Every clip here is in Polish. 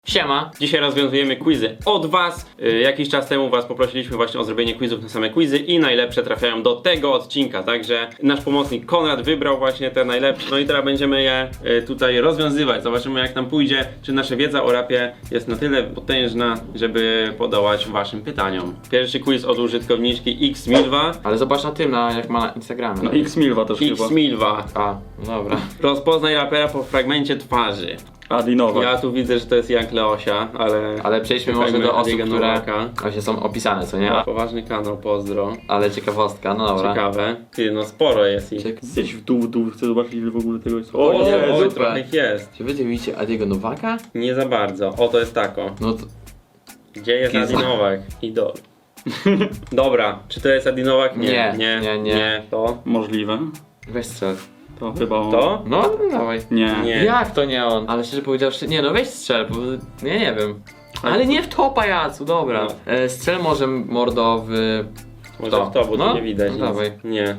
Siema. Dzisiaj rozwiązujemy quizy od was. Jakiś czas temu was poprosiliśmy właśnie o zrobienie quizów na same quizy i najlepsze trafiają do tego odcinka. Także nasz pomocnik Konrad wybrał właśnie te najlepsze. No i teraz będziemy je tutaj rozwiązywać. Zobaczymy jak nam pójdzie, czy nasza wiedza o rapie jest na tyle potężna, żeby podołać waszym pytaniom. Pierwszy quiz od użytkowniczki Xmilwa. Ale zobacz na tym, jak ma na Instagramie. No X-Milwa też chyba. Xmilwa. A, dobra. Rozpoznaj rapera po fragmencie twarzy. Adinowa. Ja tu widzę, że to jest Jank Leosia, ale przejdźmy może do osób, Adiego które Nowaka. właśnie są opisane, co nie? Poważny kanał, pozdro. Ale ciekawostka, no dobra. Ciekawe. Ty, no sporo jest ich. Zjedź w dół, chcę zobaczyć ile w ogóle tego jest. O, nie, oj, super. trochę ich jest. Czy wy widzicie Adiego Nowaka? Nie za bardzo. O, to jest tako. No to... Gdzie jest Kiza. Adi Nowak? Idol. Dobra, czy to jest Adi Nowak? Nie. To? Możliwe. Weź strzel. To chyba on. To? No, dawaj. Nie. Nie. Jak to nie on? Ale szczerze powiedziawszy, nie no weź strzel, bo ja nie wiem. Ale nie w to, pajacu, dobra. No. Strzel może mordo w... Może To. w to, bo No, tu nie widać no nic. dawaj. Nie.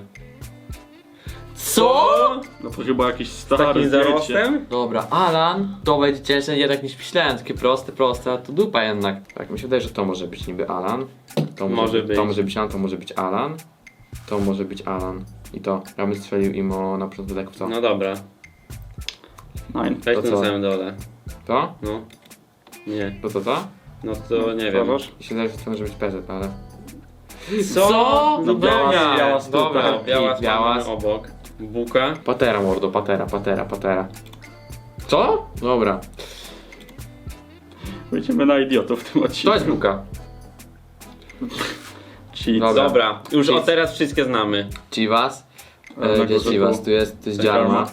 Co? No to chyba jakiś Z stary takim zdjęcie. zarostem? Dobra, Alan, to będzie cięższe jednak niż myślałem, takie proste, a to dupa jednak. Tak, mi się wydaje, że to może być niby Alan. To Może być. To może być Alan, to może być Alan. To może być Alan. I to. Ja bym strzelił im na początku tak w co? No dobra. Nine. Weź To tu co? na samym dole. To? No. Nie. To? No to nie wiem. Uważasz? Mi się wydaje, że to może być PZ, ale... Co? No No dobra, biała dobra, biała biała. mamy obok. Buka. Patera mordo, patera. Co? Dobra. Będziemy na idiotów w tym odcinku. To jest buka. Cheat. Dobra. Dobra, już Cheat. od teraz wszystkie znamy. Chivas. Na Gdzie jest górze Chivas? tu. Tu jest Jarma. Jarma.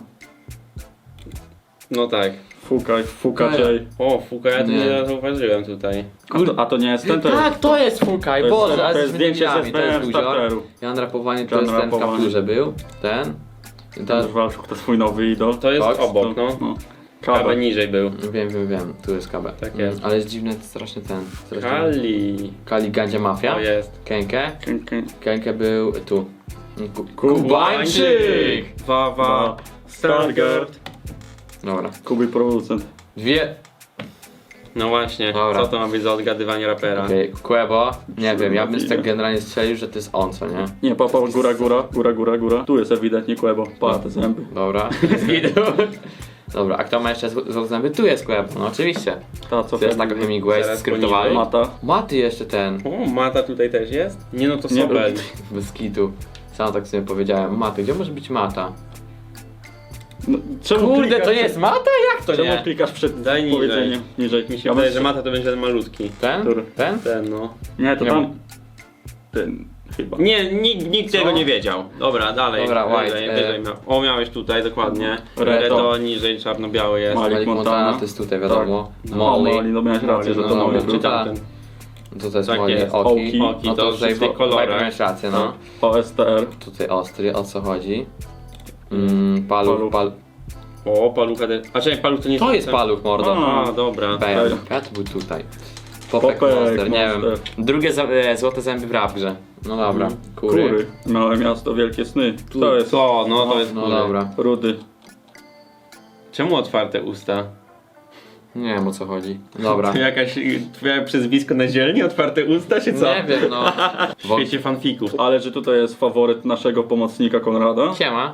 No tak. Fuka J. O, Fuka, ja tu Nie. nie zauważyłem tutaj. A to nie jest ten, to jest... Tak, to jest Fukaj, To jest- Boże, ale to jest jesteśmy zdjęcie debilami, z to jest SPM Guzior. starteru. Jan Rapowanie to Jan jest ten w Rapowanie. kapturze był, ten. I to, Ten Walczuk to twój nowy idol. To jest Tak, obok, no. No. Kawę Kawę. niżej był. wiem, tu jest KB. Tak jest. Ale jest dziwny strasznie ten. Strasznie. Kali. Kali Gandzia Mafia. To jest. Kenke. K- Kenke był tu. Kubańczyk! Wawa. Stargard. Dobra. Kuby producent. Dwie. No właśnie, Dobra. co to ma być za odgadywanie rapera? Okej, Quebo. Nie wiem, ja bym tak generalnie strzelił, że to jest on, co nie? Nie, papa, góra. Tu jest ewidentnie Quebo. Pa, te zęby. Dobra. Dobra, a kto ma jeszcze złote zęby? Tu jest Quebo, no oczywiście. Ta, co To jest tak Hemingway Zaraz skryptowali. Mata. Maty jeszcze ten. O, Mata tutaj też jest? Nie no, to Nie, Sobel. Bez kitu. Sam tak sobie powiedziałem. Maty, gdzie może być Mata? No, czemu Kurde, klikasz to nie jest Mata? Jak to Czemu nie? klikasz przed Daj niżej. powiedzeniem? Niżej. Mi się wydaje, że Mata to będzie ten malutki. Ten? Który? Ten? Ten no. Nie, to Nie tam... Ten... chyba. Nie, nikt tego nie wiedział. Dobra, dalej. Dobra, White, Wyżej miał. O, miałeś tutaj, dokładnie. Reto. Reto niżej, czarno-biały jest. Malik Malik Montana, Montana. to jest tutaj wiadomo. No, Molly. no miałeś rację, że to no, Molly no, był. Czy tak. tamten? To jest Tak Molly. jest. Oki. Oki, No to to tutaj w tych kolorach. miałeś rację, no. OSTR. Tutaj ostry, o co chodzi? Paluch. O, palucha też. A czekaj, paluch to nie To jest paluch, mordo. A, dobra. Bam. Ja to był tutaj. Popek Popek Monster, nie wiem. Monster. Drugie złote zęby w rap grze. No dobra. Kury. Małe miasto, wielkie sny. To jest To, no to jest No kury. dobra. Rudy. Czemu otwarte usta? Nie wiem o co chodzi. Dobra. To jakaś twoje przezwisko na zielni? Otwarte usta, czy co? Nie wiem, no. W świecie fanfików. Ale że tutaj jest faworyt naszego pomocnika Konrada. Siema.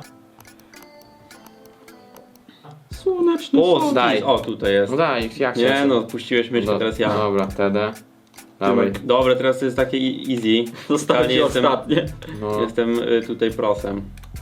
Słoneczny O, sąd. daj. o, tutaj jest. No daj, jak Nie się- no, puściłeś myszkę, Do- teraz ja. Dobra, wtedy. Dawaj. Dobra, teraz to jest takie easy. Zostawcie jestem, ostatnie. No. jestem tutaj prosem.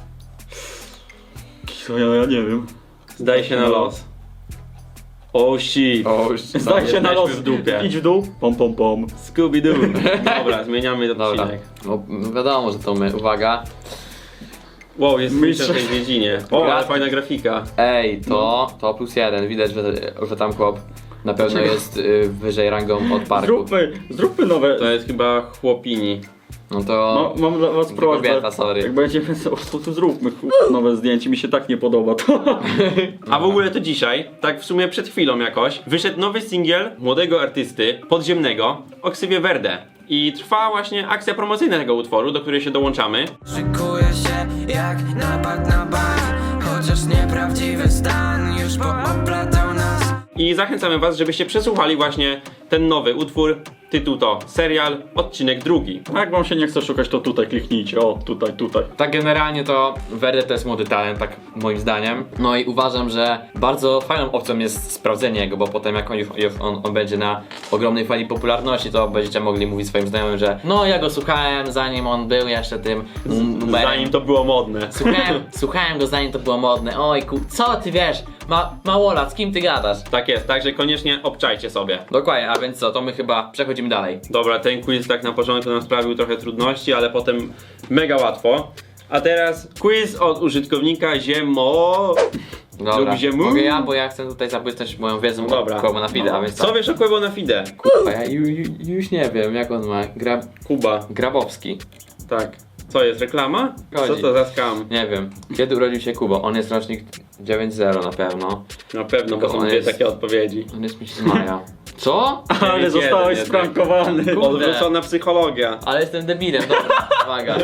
Co ja nie wiem. Zdaj się na los. Oh shit. O, już. Zdaj się na jesteśmy los. w dupie. Idź w dół. Pom pom pom. Scooby-Doo. Dobra, zmieniamy Dobra. odcinek. No wiadomo, że to my. Uwaga. Wow, jest Mistrz. mistrz w tej dziedzinie. O, ale fajna grafika. Ej, to +1. Widać, że tam chłop na pewno jest wyżej rangą od parku. Zróbmy nowe. To jest chyba chłopini. No to... No, mam dla was prośbę. kobieta, sorry. Jak będziemy to zróbmy nowe zdjęcie. Mi się tak nie podoba to. A w ogóle to dzisiaj, tak w sumie przed chwilą jakoś, wyszedł nowy singiel młodego artysty podziemnego o ksywie Verde. I trwa właśnie akcja promocyjna tego utworu, do której się dołączamy. Szykuję się jak napad na bank, chociaż nieprawdziwy stan już pooplatał nas. I zachęcamy was, żebyście przesłuchali właśnie ten nowy utwór. Tytuł to Serial, odcinek 2. A jak wam się nie chce szukać, to tutaj kliknijcie. O, tutaj. Tak generalnie to Verde to jest młody talent, tak moim zdaniem. No i uważam, że bardzo fajną opcją jest sprawdzenie go, bo potem jak on będzie na ogromnej fali popularności, to będziecie mogli mówić swoim znajomym, że no ja go słuchałem zanim on był jeszcze tym numerem. Zanim to było modne. Słuchałem go zanim to było modne. Oj co ty wiesz, małolat, z kim ty gadasz? Tak jest, także koniecznie obczajcie sobie. Dokładnie, a więc co, to my chyba przechodzimy dalej. Dobra, ten quiz tak na początku nam sprawił trochę trudności, ale potem mega łatwo. A teraz quiz od użytkownika Ziemo. Dobra, Lub ziemu? mogę ja, bo ja chcę tutaj zabłysnąć moją wiedzą Dobra. o Quebo na fide, a więc Co wiesz o Quebo na Fide? Kurwa, ja już nie wiem, jak on ma. Kuba. Grabowski. Tak. Co jest, reklama? Co Chodzi. to za skam? Nie wiem. Kiedy urodził się Kubo? On jest rocznik 9-0 na pewno. Na pewno, bo Tylko są on dwie jest- takie odpowiedzi. On jest mi z maja. Co? Ale zostałeś jednak. sprankowany. Kurde. Odwrócona psychologia. Ale jestem debilem, dobra, uwaga.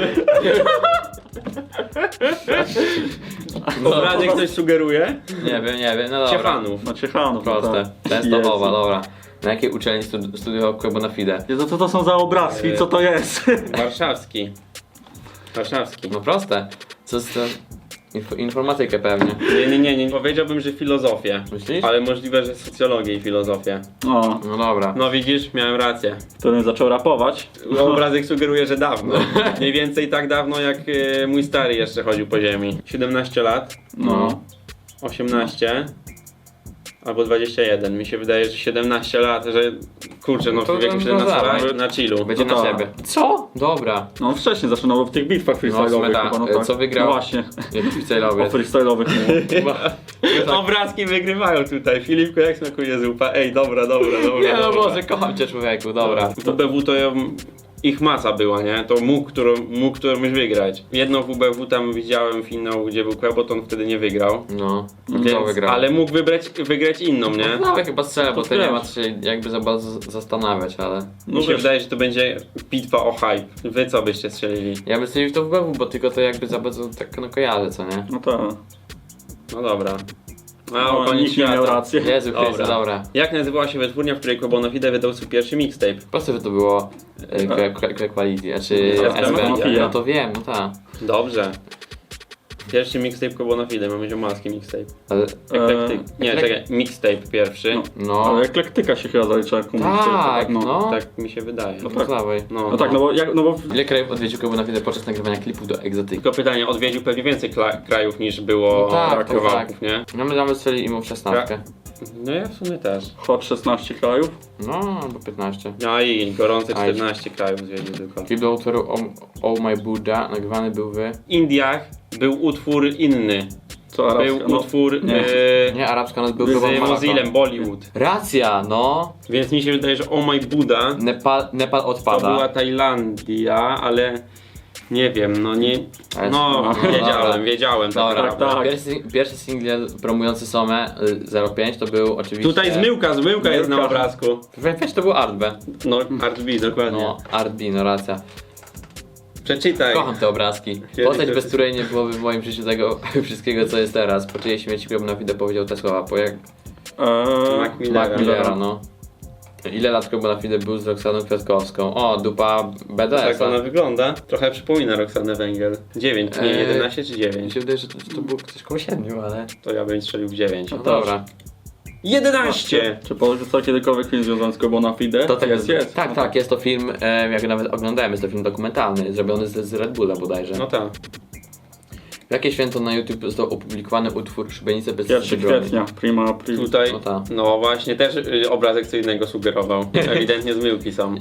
Obrazek coś sugeruje? Nie wiem, no dobra. Ciechanów. No Ciechanów. Proste. tak. Częstochowa, Jezu. dobra. Na jakiej uczelni studiował Quebo na fide? Jezu, co to są za obrazki? Co to jest? Warszawski. Warszawski. No proste. Co z tym? Informatykę pewnie. Nie. Powiedziałbym, że filozofię. Myślisz? Ale możliwe, że socjologię i filozofię. O, No dobra. No widzisz, miałem rację. który zaczął rapować. Obrazek sugeruje, że dawno. Mniej więcej tak dawno, jak mój stary jeszcze chodził po ziemi. 17 lat, No. 18 albo 21. Mi się wydaje, że 17 lat, że kurczę, no To w wieku no 17 dawaj. lat na chillu. Będzie No na tak. siebie. Co? Dobra. No wcześniej zaczynał w tych bitwach freestyle'owych. sumie tak. chyba, no tak. Co wygrał? No właśnie. Nie freestyle'owy. O freestyle'owych mówię. Obrazki wygrywają tutaj. Filipku, jak smakuje zupa? Ej, dobra. Nie no Boże, kocham cię człowieku, dobra. WBW to ich masa była, nie? To mógł którąś wygrać. Jedną WBW tam widziałem finał, gdzie był Quebo, to on wtedy nie wygrał. No, Więc, to wygrał. ale mógł wygrać inną, nie? Nawet chyba strzelę, bo to nie wiesz. ma co się jakby za bardzo zastanawiać, ale... Mi się wiesz. wydaje, że to będzie bitwa o hype. Wy co byście strzelili? Ja bym strzelił w to w BW, bo tylko to jakby za bardzo tak no kojarzę, co nie? No tak. No dobra. A No, koniec nikt nie miał świata. racji. Jezu Chryste, Dobra. dobra. Jak nazywała się wytwórnia, w której Quebo na Fide wydał swój pierwszy mixtape? Proste, że to było Quality, znaczy SB. SB. No to wiem, no tak. Dobrze. Pierwszy mixtape Quebo na Fide, mamy ziomalski mixtape. Ale... Nie, czekaj, mixtape pierwszy. No, Ale eklektyka się chyba zalicza jako tak, no. Tak mi się wydaje. No No dawaj. No tak, no bo Ile krajów odwiedził Quebo na Fide podczas nagrywania klipów do Egzotyki? Tylko pytanie, odwiedził pewnie więcej krajów niż było No tak, to kawałków, tak. nie? No my damy strzeli im w 16. No ja w sumie też. Hot 16 krajów. No, albo 15. No i gorące Aj. 14 krajów zwiedził tylko. Klip do utworu Oh My Buddha nagrywany był w... W Indiach był utwór inny. Co arabska? Był No, utwór nie. Nie, arabska nas był z Global Mozillem, Marathon. Bollywood. Racja, no. Więc mi się wydaje, że Oh My Buddha Nepal to odpada. była Tajlandia, ale nie wiem, no nie... Ale- No, dobra. wiedziałem tak Dobra, naprawdę. tak. Pierwszy singiel promujący Somę 05 to był oczywiście... Tutaj zmyłka jest na obrazku. Weź, to był Art B. No, Art B, dokładnie. No, Art B, no racja. Przeczytaj. Kocham te obrazki. Kiedy Postać, to- bez której nie byłoby w moim życiu tego wszystkiego, co jest teraz. Po czyjej śmierci Quebo na Fide powiedział te słowa, po jak Mac Millera. Mac Millera, no. Ile lat Quebo na Fide był z Roxaną Kwiatkowską? O, dupa BDS. Tak ona wygląda. Trochę przypomina Roxanę Węgiel. 9, nie 11 czy Mi 9? się wydaje, że to było coś koło 7, ale... To ja bym strzelił w 9. No dobra. 11! Czy porzucał kiedykolwiek film związany z Quebo na Fide? To tak jest. Tak, No tak, jest to film, jak nawet oglądałem, jest to film dokumentalny, zrobiony z Red Bulla bodajże. No tak. W jakie święto na YouTube został opublikowany utwór Szubienicę bez 1 broni? kwietnia, prima. Tutaj, No tak. no właśnie, też obrazek co innego sugerował. Ewidentnie zmyłki są.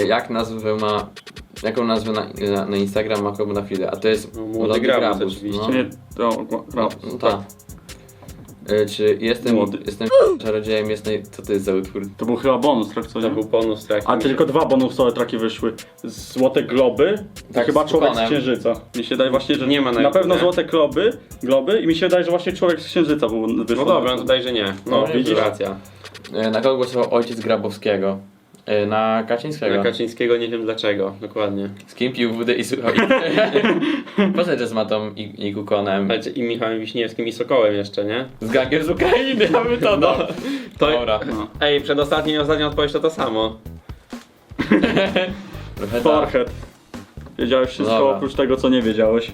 Jaką nazwę na Instagram ma Quebo na Fide? A to jest No, Młody Grabus oczywiście. No, Nie, no tak. Czy jestem Młody. czarodziejem, co to jest za utwór? To był chyba bonus track, co To nie? był bonus track. A tylko 2 bonusowe traki wyszły. Złote globy Tak, i chyba z człowiek z Kukonem. Księżyca. Mi się wydaje właśnie, że Nie ma na na YouTube, pewno nie? złote globy i mi się wydaje, że właśnie człowiek z Księżyca wyszło. No dobra, no tutaj, że nie. No No, widzisz, widzisz. racja. Na kogo głosował ojciec Grabowskiego? Na Kaczyńskiego. Na Kaczyńskiego nie wiem dlaczego, dokładnie. Z kim pił wódę i słuchał. Poza tym z Matą i Kukonem. Ale i Michałem Wiśniewskim i Sokołem jeszcze, nie? Z gangiem z Ukrainy, aby to no. Dobra. No. Ej, przedostatnia i ostatnia odpowiedź to samo. Trochę tak. Forehead. Wiedziałeś wszystko Dobra. oprócz tego, co nie wiedziałeś.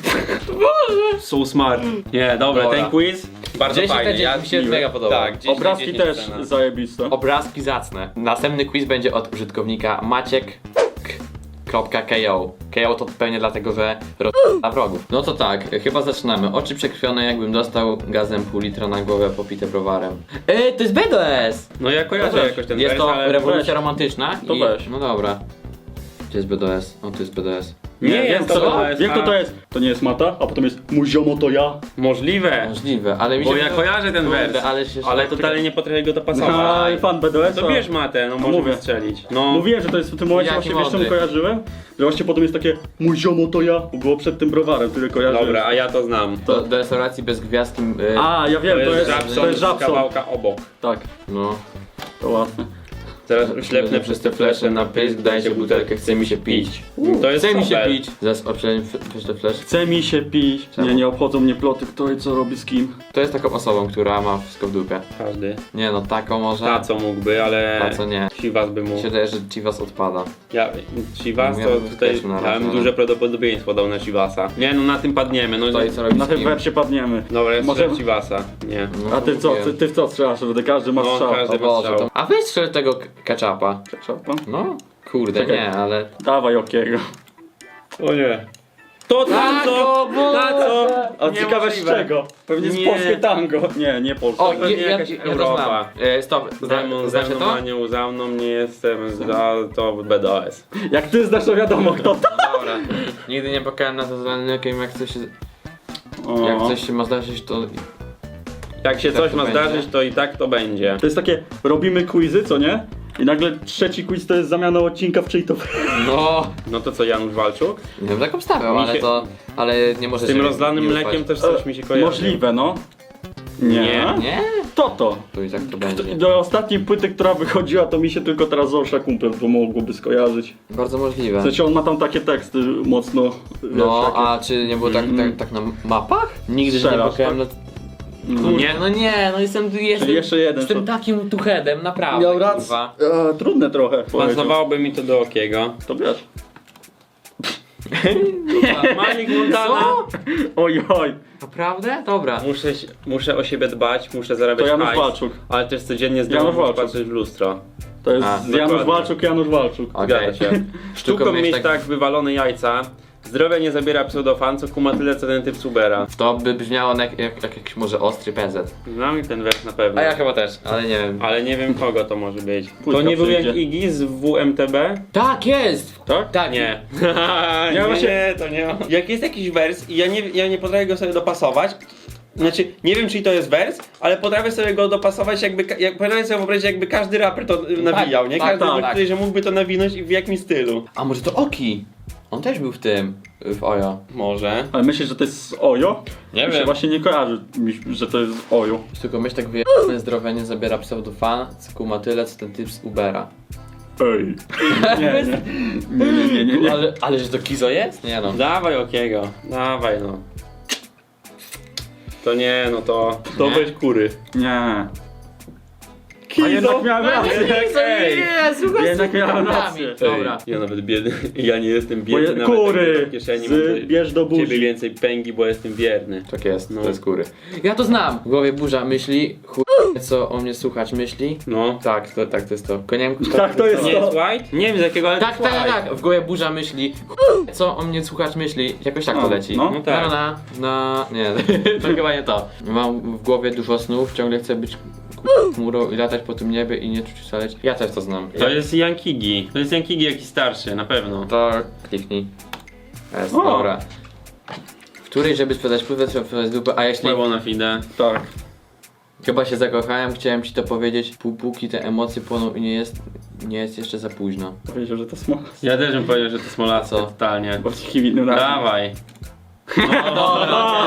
So smart. Nie, dobra, Dobra. ten quiz bardzo 10 fajny. mi się mega podoba. Tak, 10 na Obrazki 10 też cena. zajebiste. Obrazki zacne. Następny quiz będzie od użytkownika Maciek.ko. KO to pewnie dlatego, że na wrogów. No to tak, chyba zaczynamy. Oczy przekrwione, jakbym dostał gazem pół litra na głowę popite browarem. To jest BDS! No ja kojarzę Weź. jakoś ten Jest wers, to ale... rewolucja weź. romantyczna. To weź. No dobra. Gdzie jest BDS? O, tu jest BDS. Nie wiem, jest to co? BDS, Wiem, kto a- to jest. To nie jest Mata, a potem jest mój ziomo to ja. Możliwe. Możliwe, ale mi się Bo ja kojarzę ten Kurde, wers, ale totalnie nie potrafię go No, dopasować. fan BDS. To bierz matę, no możemy mówię. strzelić. No, Mówiłem, że to jest w tym momencie Jaki właśnie, wiesz czemu mądry. kojarzyłem? Że właśnie potem jest takie mój ziomo to ja, bo było przed tym browarem, który kojarzyłem. dobra, a ja to znam. To do restauracji bez gwiazdki. A, ja wiem, to jest Żabson z Żabson. kawałka obok. Tak, No. to łatwe. Teraz uślepnę przez te flesze na pysk, dajcie butelkę, chce mi się pić. To jest Chce mi się super. pić. Zaraz obczałem przez te flash. Chce mi się pić. Czemu? Nie obchodzą mnie ploty, kto i co robi z kim. To jest taką osobą, która ma wszystko w dupie. Każdy. Nie no, taką może. Ta co mógłby, ale... Ta co nie. Chivas by Mi mógł. się wydaje, że Chivas odpada. Chivas Ja to bym tutaj... też na Ja razie, bym no. duże prawdopodobieństwo dał na Chivasa. Nie no, na tym padniemy. No, To i co robi Na z tym kim? wersie padniemy. dobra, jest Może- Chivasa. Nie. No, A ty co? mówiłem. Ty w co strzelasz? Będę każdy ma No, strzał. każdy. O Boże, strzał. to... A weź strzel tego ketchupa. Szarpa? No, kurde, Czekaj. nie, ale... Dawaj okiego. O nie. To Tak, co? o Boże! Na co? A ciekawe z Niemożliwe. czego? Pewnie z Nie. polskie tango. Nie polskie. O, pewnie jakaś ja to Europa. znam. Stop, Ze znacie mną, to? anioł za mną, nie jestem za to BDS. Jak ty znasz, to wiadomo kto to. Dobra. Nigdy nie pokałem na to zwanym jak coś się... O. Jak coś się ma zdarzyć, to... Jak się Tak coś to ma będzie. zdarzyć, to i tak to będzie. To jest takie, robimy quizy, co nie? I nagle trzeci quiz to jest zamiana odcinka w czyj to... No... No to co, Janusz Walczuk? Nie wiem, tak obstawiał, Mi ale się- to... Ale nie może Z tym się rozlanym nie mlekiem ufać. też coś mi się kojarzy. Możliwe, no. Nie. Nie? To. To i tak to będzie. Do ostatniej płyty, która wychodziła, to mi się tylko teraz Zorsza Kumpel to mogłoby skojarzyć. Bardzo możliwe. W sensie on ma tam takie teksty mocno... wiesz, No, takie- a czy nie było tak na mapach? Nigdy nie Strzelasz, pokałem na... Mm. Nie? No nie, no jestem jeszcze jeden, Jestem to- takim tuchedem, naprawdę, Miał rację. kurwa. Trudne trochę. powiedział. Pasowałoby mi to do Okiego. To wiesz. Malik Montana. Co? Oj. Naprawdę? Dobra. Muszę o siebie dbać, muszę zarabiać To Janusz hajs, Walczuk. ale też codziennie z Janusz domu muszę Walczuk. patrzeć w lustro. To jest A, Janusz dokładnie. Walczuk, Janusz Walczuk. Okej. Zgadza się. Sztuką mieć tak- tak wywalone jajca. Zdrowie nie zabiera pseudofan, co kuma tyle co ten typ Subera. To by brzmiało jak jakiś może ostry PZ. Znam ten wers na pewno. A ja chyba też, ale nie wiem. Ale nie wiem kogo to może być. Płytka To nie był jak przyjdzie. Iggy z WMTB? Tak, jest! Tak? Tak, Nie. Ja nie, właśnie- nie, to nie. Jak jest jakiś wers i ja nie potrafię go sobie dopasować, znaczy, nie wiem czy to jest wers, ale potrafię sobie go dopasować potrafię sobie wyobrazić jakby każdy raper to nawijał, nie? tak, Każdy tak, by tak. tutaj, że mógłby to nawinąć i w jakim stylu. A może to Oki? On też był w Ojo. Może. Ale myślisz, że to jest z Ojo? Nie Mi się wiem. właśnie nie kojarzy, że to jest z Ojo. Tylko myśl tak wyjebane zdrowie nie zabiera pseudofan, co kuma tyle, co ten typ z Ubera. Ej. Nie. Ale że to Kizo jest? Nie no. Dawaj Okiego, dawaj no. To nie, no to Nie? weź kury. Nie. A jednak miałem rację. Ej. Nie, słuchaj, Jednak miałem rację. Dobra. Ja nawet biedny, ja nie jestem biedny, nawet Kury! w kieszeni mam Z bierz do ciebie buzi. więcej pęgi, bo jestem wierny. Tak jest, No. to jest kury. Ja to znam! W głowie burza myśli, co o mnie słuchać myśli. No. Tak, to jest to. Koniem, Tak, to jest Nie to. jest White? Nie wiem z jakiego, ale Tak, to jest tak, White. tak. W głowie burza myśli, co o mnie słuchać myśli. Jakoś tak to No, leci. no. No tak. Nie, to chyba nie to. Mam w głowie dużo snów, ciągle chcę być chmurą i latać po tym niebie i nie czuć szaleć. Ja też to znam. To jest Yankigi. To jest Yankigi jakiś starszy, na pewno. To kliknij. Jest, O. dobra. W której, żeby sprzedać pływę, trzeba sprzedać dupę, a jeśli... Płyło na fide. Tak. Chyba się zakochałem, chciałem ci to powiedzieć, póki te emocje płoną i nie jest jeszcze za późno. Powiedział, że to smola. Ja też bym powiedział, że to Smolacko, Co? totalnie. Bo w innym razem. Dawaj. Dobra, okej.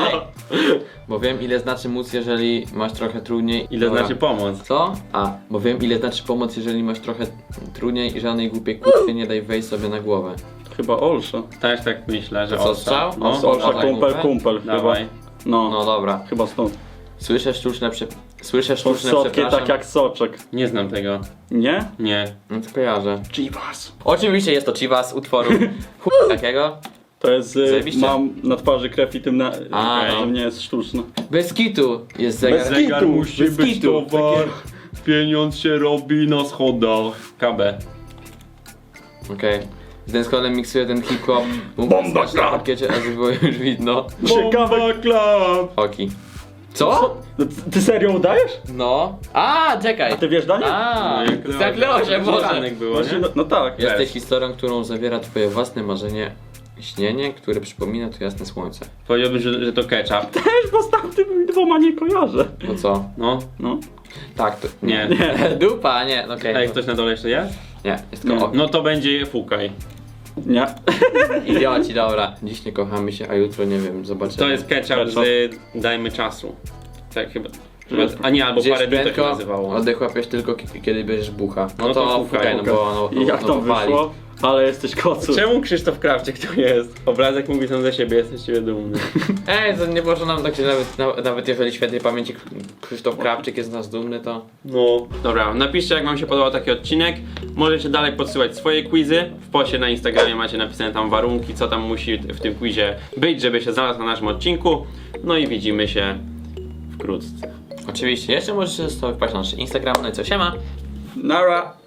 Bo wiem ile znaczy móc, jeżeli masz trochę trudniej. Ile Dobra. znaczy pomoc? Co? Bo wiem ile znaczy pomoc, jeżeli masz trochę trudniej i żadnej głupiej kurwy nie daj wejść sobie na głowę. Chyba Olsza. Też tak myślę, że To co, Olsza. strzał? No, Olsza. Olsza, tak kumpel chyba. dawaj. No, No dobra. chyba stąd. Słyszę sztuczne Słodkie przepraszam. tak jak soczek. Nie znam tego. Nie? Nie. No to kojarzę. Chivas. Oczywiście jest to Chivas utworu takiego. To jest, Zajebiście. mam na twarzy krew i tym na... A, że no. nie jest sztuczne. Bez kitu jest zegar. Bez kitu. Zegar musi Bez być kitu. towar. Pieniądz się robi na schodach. KB. Okej. Z Denskolem miksuję ten hip-hop. Bomba na Club. parkiecie, a było już widno. Ciekawe. Club. Oki. Co? No, ty serio udajesz? No. Czekaj. Ty wiesz, Daniel? Zakleło Było, Boże. było, Właśnie, nie? no tak. Jesteś historią, którą zawiera twoje własne marzenie, śnienie, które przypomina to jasne słońce. Powiedziałbym, że to ketchup. Też, bo z tamtymi dwoma nie kojarzę. No co? No. No. Tak, to... Nie. Dupa, nie, okej. A jak ktoś na dole jeszcze jest? Nie, jest tylko Nie. No to będzie fukaj. Nie. Idioci, dobra. Dziś nie kochamy się, a jutro nie wiem, zobaczymy. To jest ketchup z dajmy czasu. Tak chyba. A nie, albo Gdzieś parę dni to się prędko, nazywało. oddech łapiesz tylko kiedy bierzesz bucha. No, No to to fukaj, no fukaj. bo no, I jak no, tam wali. wyszło? Ale jesteś kocu. Czemu Krzysztof Krawczyk tu jest? Obrazek mówi sam za siebie, jesteś z ciebie dumny. To nie może nam tak się nawet jeżeli świętej pamięci Krzysztof Krawczyk jest z nas dumny, to... No. Dobra, napiszcie jak wam się podobał taki odcinek. Możecie dalej podsyłać swoje quizy. W poście na Instagramie macie napisane tam warunki, co tam musi w tym quizie być, żeby się znalazł na naszym odcinku. No i widzimy się wkrótce. Oczywiście, jeszcze możecie sobie wpaść na nasz Instagram, no i co, siema! Nara.